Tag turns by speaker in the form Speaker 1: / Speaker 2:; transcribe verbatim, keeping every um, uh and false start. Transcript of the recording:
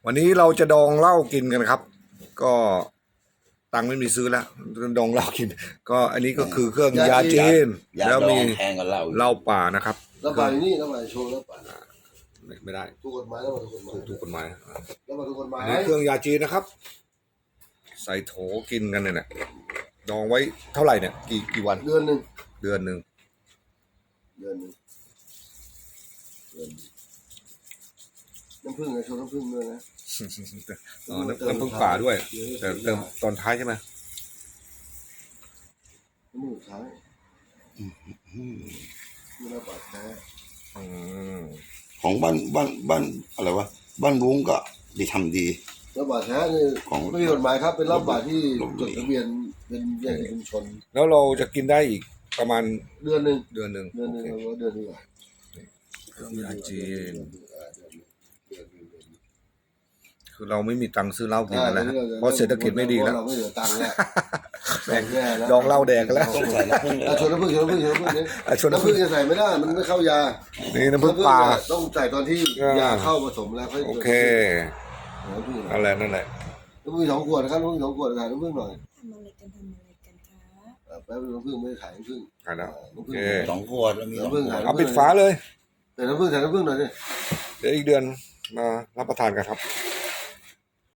Speaker 1: วันนี้เราจะดองเหล้ากินกันครับ ก็ตังค์ไม่มีซื้อแล้วดองเหล้ากิน ก็อันนี้ก็คือเครื่องยาจีน
Speaker 2: ยา
Speaker 1: แล้ว
Speaker 2: ดอ
Speaker 1: มี
Speaker 2: งแพงกว่าเหล้าอีก
Speaker 1: เหล้าป่านะครับ
Speaker 3: แล้วป่าอยู่นี่แล้วป่าโชว์แล้วป่า
Speaker 1: ไม่ไม่ได้
Speaker 3: ถูกกฎหมายแล้วป่าถูกกฎหมาย
Speaker 1: ถูกกฎหมาย
Speaker 3: แล้วป่าถูกกฎหมาย
Speaker 1: อันนี้เครื่องยาจีนนะครับ ใส่โถกินกันเนี่ยนะดองไว้เท่าไหร่เนี่ยกี่กี่วัน
Speaker 3: เดือนหนึ่ง
Speaker 1: เดือนหนึ่ง
Speaker 3: เดือนหนึ่งเดือนน้ำผึ้งไงโชว์น้ำผึ้งด้วยนะ
Speaker 1: อ๋อน้ำน้ำผึ้งป่าด้วย แต่เติมตอนท้ายใช่ไหม
Speaker 3: น้ำผึ้งท้ายนี่เราป่าแท้
Speaker 1: อืม
Speaker 2: ของบ้านบ้านบ้านอะไรวะบ้านรุ้งก็ดีทำดี
Speaker 3: แล้วป่าแท้นี่
Speaker 2: ของ
Speaker 3: ไม่มีกฎหมายครับเป็นรับป่าที่จดทะเบียนเป็นแยกชุมชน
Speaker 1: แล้วเราจะกินได้อีกประมาณ
Speaker 3: เดือนหนึ่ง
Speaker 1: เดือนหนึ่ง
Speaker 3: เดือนหนึ่ง
Speaker 1: โอเค
Speaker 3: เราว่าเดือนนี้ก่อน
Speaker 1: เครื่องยาจีน
Speaker 3: เดือนหนึ่งเดือนหนึ่ง
Speaker 1: คือเราไม่มีตังค์ซื้อเหล้ากินกันแล้วฮะเพราะเศรษฐกิจไม่ดีแล้ว
Speaker 3: เราไม่เหลือตังค์แล้ว
Speaker 1: แบ่ง
Speaker 3: แย่แล้ว
Speaker 1: ดองเหล้าแดกกันแล้ว
Speaker 2: ต้องใส่น้ำผึ้ง
Speaker 3: อ่ะชวนน้ำผึ้งชวนน้ำผึ้งชวนน้ำผึ้งเนี่ย
Speaker 1: อ่ะชวนน้ำ
Speaker 3: น้ำ
Speaker 1: ผึ้
Speaker 3: ผึ้
Speaker 1: ง
Speaker 3: งจะใส่ไม่ได้มันไม่เข้ายา
Speaker 1: นี่น้ำผึ้งป่า
Speaker 3: ต้องใส่ตอนที่
Speaker 1: อ่าย
Speaker 3: ยาเข้าผสมแล้วค่อย
Speaker 1: โอเค
Speaker 3: น้ำผึ้ง
Speaker 1: นั่นแหละนั่นแหละ
Speaker 3: น้ำผึ้งสองขวดนะครับน้ำผึ้งสองขวดขายน้ำผึ้งหน่อย
Speaker 4: ทำอะไรกันทำอะไรกันคะ
Speaker 3: อ่ะแป๊บนึงน้ำผึ้งไม่ได้ขายน้ำผึ้ง
Speaker 1: อ่ะนะ
Speaker 3: อ่า
Speaker 1: โอ
Speaker 3: น้ำผึ้
Speaker 1: เค
Speaker 3: ง
Speaker 2: สองขวดแล้วมีสองขวด
Speaker 3: น้ำผึ้ง
Speaker 1: เอาปิดฝาเลย
Speaker 3: ใส่น้ำผึ้งใส่น้ำผึ้งหน่อยดิ
Speaker 1: เดี๋ยวอีกเดือนมารับประทานกันครับ
Speaker 3: ใ